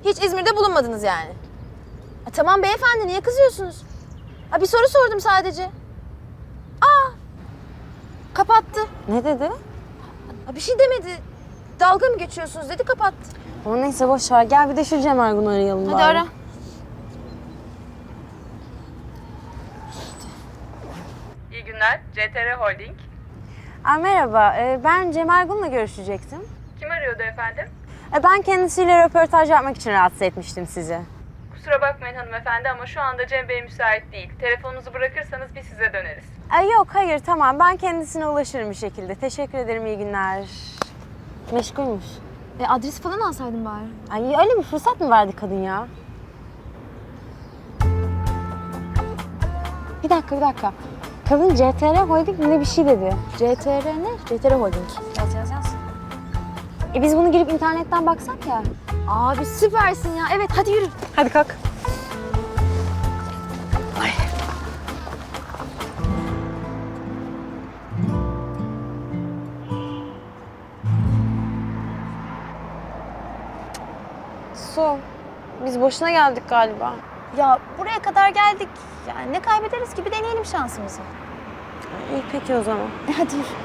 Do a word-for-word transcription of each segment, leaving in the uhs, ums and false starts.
Hiç İzmir'de bulunmadınız yani. E, tamam beyefendi, niye kızıyorsunuz? Ha, bir soru sordum sadece. Aa, kapattı. Ne dedi? Ha, bir şey demedi. Dalga mı geçiyorsunuz dedi, kapattı. Ama neyse boş ver. Gel bir de şu Cem Ergun'u arayalım Hadi bari. ara. İyi günler, C T R Holding. Aa, merhaba. Ee, ben Cem Ergun'la görüşecektim. Kim arıyordu efendim? Ee, ben kendisiyle röportaj yapmak için rahatsız etmiştim sizi. Kusura bakmayın hanımefendi ama şu anda Cem Bey müsait değil. Telefonunuzu bırakırsanız biz size döneriz. Ee, yok, hayır, tamam. Ben kendisine ulaşırım bir şekilde. Teşekkür ederim, iyi günler. Meşgulmüş. E, adresi falan alsaydın bari. Ay, öyle bir fırsat mı verdi kadın ya? Bir dakika, bir dakika. Kadın C T R Holding ne bir şey dedi. C T R ne? C T R Holding. Yaz, yaz, yaz. E biz bunu girip internetten baksak ya. Abi süpersin ya. Evet, hadi yürü. Hadi kalk. Su, biz boşuna geldik galiba. Ya buraya kadar geldik. Yani ne kaybederiz ki? Bir deneyelim şansımızı. İyi peki o zaman. E, hadi yürü.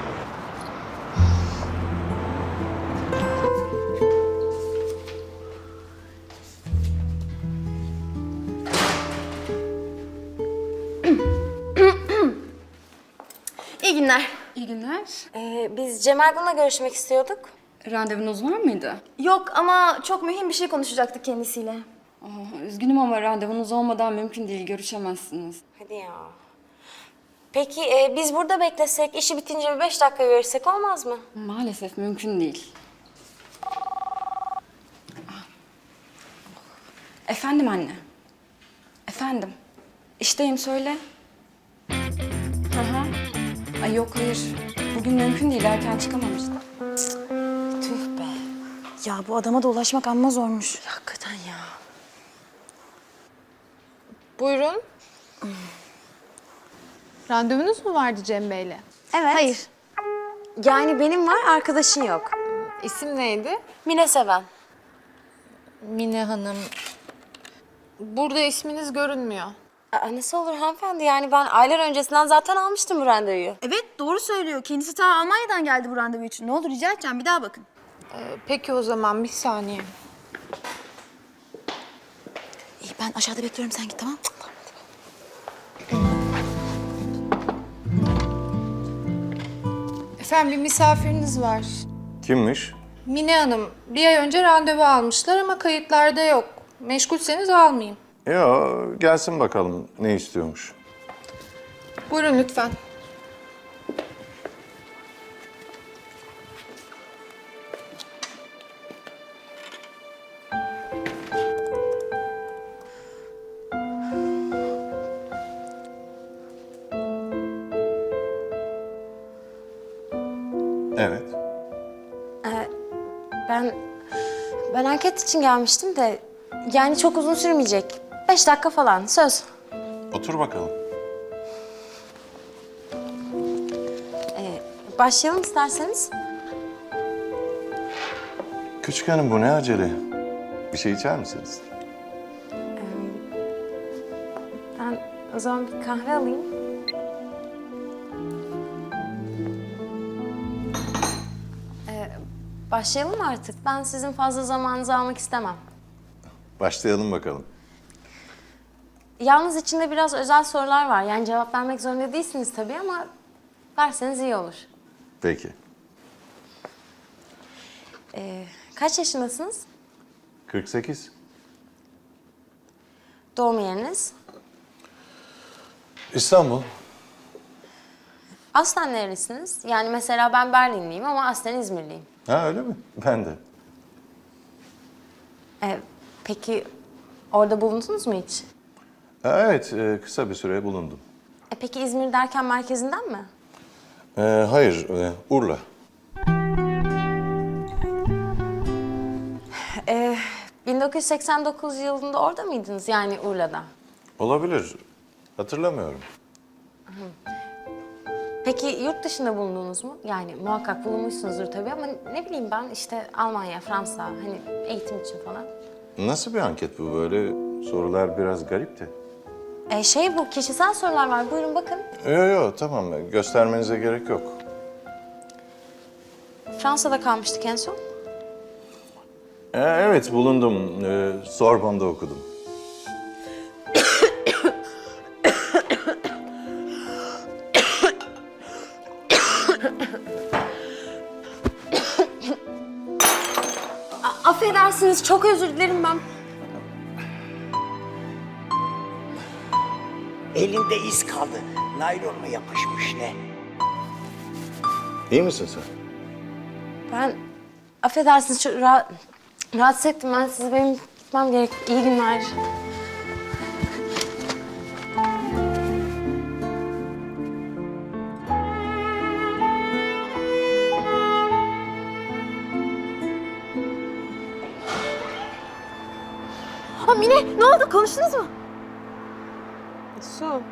İyi günler. İyi günler. Ee, biz Cem Ergun'la görüşmek istiyorduk. Randevunuz var mıydı? Yok ama çok mühim bir şey konuşacaktık kendisiyle. Aa, üzgünüm ama randevunuz olmadan mümkün değil, görüşemezsiniz. Hadi ya. Peki e, biz burada beklesek, işi bitince bir beş dakika görüşsek olmaz mı? Maalesef mümkün değil. Efendim anne. Efendim. İşteyim, söyle. Hı hı. Ay yok, hayır. Bugün mümkün değil, erken çıkamamıştım. Tüh be. Ya bu adama da ulaşmak amma zormuş. Hakikaten ya. Buyurun. Randevunuz mu vardı Cem Bey'le? Evet. Hayır. Yani benim var, arkadaşın yok. İsim neydi? Mine Seven. Mine Hanım. Burada isminiz görünmüyor. Aa, nasıl olur hanımefendi? Yani ben aylar öncesinden zaten almıştım bu randevuyu. Evet, doğru söylüyor. Kendisi ta Almanya'dan geldi bu randevu için. Ne olur rica edeceğim, bir daha bakın. Ee, peki o zaman bir saniye. İyi, ben aşağıda bekliyorum, sen git, tamam mı? Efendim bir misafiriniz var. Kimmiş? Mine Hanım bir ay önce randevu almışlar ama kayıtlarda yok. Meşgulseniz almayayım. Ya gelsin bakalım ne istiyormuş. Buyurun lütfen. Evet. Ben ben anket için gelmiştim de yani çok uzun sürmeyecek. Beş dakika falan, söz. Otur bakalım. Ee, başlayalım isterseniz. Küçük hanım bu ne acele? Bir şey içer misiniz? Ben o zaman bir kahve alayım. Ee, başlayalım mı artık? Ben sizin fazla zamanınızı almak istemem. Başlayalım bakalım. Yalnız içinde biraz özel sorular var. Yani cevap vermek zorunda değilsiniz tabii ama verseniz iyi olur. Peki. Ee, kaç yaşındasınız? kırk sekiz. Doğum yeriniz? İstanbul. Aslen nerelisiniz? Yani mesela ben Berlinliyim ama aslen İzmirliyim. Ha öyle mi? Ben de. Ee, peki orada bulundunuz mu hiç? Ha, evet e, kısa bir süre bulundum. E, peki İzmir derken merkezinden mi? E, hayır e, Urla. Ee, bin dokuz yüz seksen dokuz yılında orada mıydınız yani Urla'da? Olabilir. Hatırlamıyorum. Peki yurt dışında bulundunuz mu? Yani muhakkak bulunmuşsunuzdur tabii ama ne bileyim ben işte Almanya, Fransa hani eğitim için falan. Nasıl bir anket bu böyle? Sorular biraz garipti. E şey bu, kişisel sorular var. Buyurun bakın. Yok yok tamam göstermenize gerek yok. Fransa'da kalmıştık en son. Ee, evet bulundum. Ee, Sorbonne'da okudum. Affedersiniz, çok özür dilerim ben. Elinde iz kaldı. Naylon mu yapışmış ne? İyi misin sen? Ben, affedersiniz, çok rahat, rahatsız ettim ben sizi. Benim gitmem gerek. İyi günler. Ha Mine ne oldu konuştunuz mu? Su.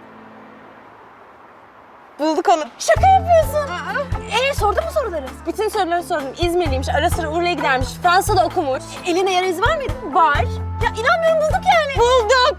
Bulduk onu. Şaka yapıyorsun. Ee sordun mu soruları? Bütün soruları sordum. İzmirliymiş, ara sıra Urla'ya gidermiş, Fransa'da okumuş. Eline yara izi var mıydı? Var. Ya inanmıyorum bulduk yani. Bulduk.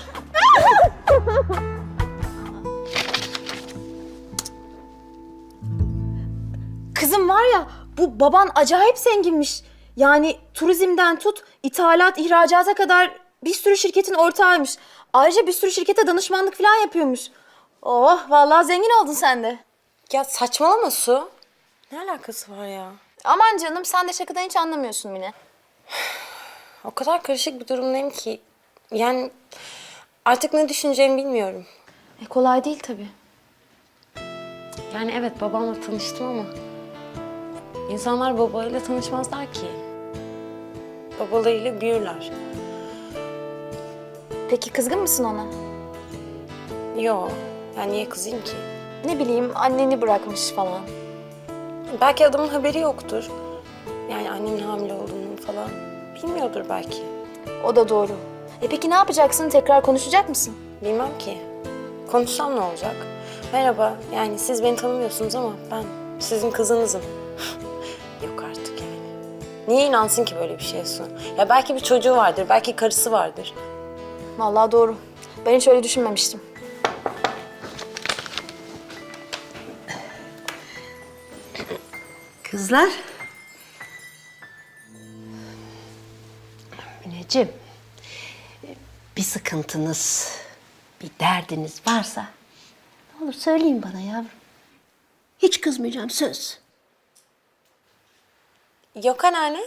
Kızım var ya bu baban acayip zenginmiş. Yani turizmden tut, ithalat, ihracata kadar bir sürü şirketin ortağıymış. Ayrıca bir sürü şirkete danışmanlık falan yapıyormuş. Oh vallahi zengin oldun sen de. Ya saçmalama Su. Ne alakası var ya? Aman canım sen de şakadan hiç anlamıyorsun Mine. O kadar karışık bir durumdayım ki. Yani artık ne düşüneceğimi bilmiyorum. E kolay değil tabii. Yani evet babamla tanıştım ama insanlar babayla tanışmazlar ki. Babalarıyla büyürler. Peki kızgın mısın ona? Yo, yani niye kızayım ki? Ne bileyim anneni bırakmış falan. Belki adamın haberi yoktur. Yani annemin hamile olduğunu falan bilmiyordur belki. O da doğru. E peki ne yapacaksın? Tekrar konuşacak mısın? Bilmem ki. Konuşsam ne olacak? Merhaba, yani siz beni tanımıyorsunuz ama ben sizin kızınızım. Yok artık yani. Niye inansın ki böyle bir şeye Su? Ya belki bir çocuğu vardır, belki karısı vardır. Vallahi doğru. Ben hiç öyle düşünmemiştim. Kızlar. Mineciğim, bir sıkıntınız, bir derdiniz varsa ne olur söyleyin bana yavrum. Hiç kızmayacağım söz. Yok anneanne.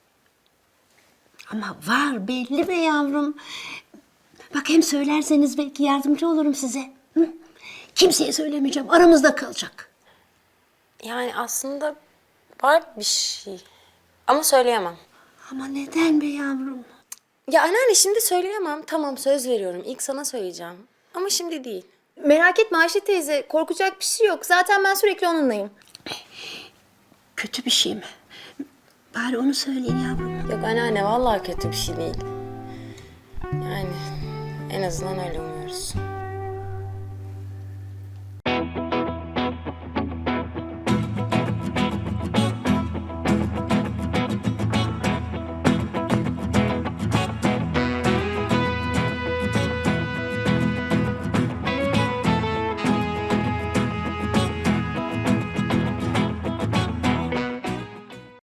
Ama var belli be yavrum. Bak hem söylerseniz belki yardımcı olurum size. Hı? Kimseye söylemeyeceğim, aramızda kalacak. Yani aslında var bir şey. Ama söyleyemem. Ama neden be yavrum? Ya anneanne şimdi söyleyemem. Tamam söz veriyorum. İlk sana söyleyeceğim. Ama şimdi değil. Merak etme Ayşe teyze. Korkacak bir şey yok. Zaten ben sürekli onunlayım. Kötü bir şey mi? Bari onu söyleyin yavrum. Yok anneanne vallahi kötü bir şey değil. Yani en azından öyle umuyoruz.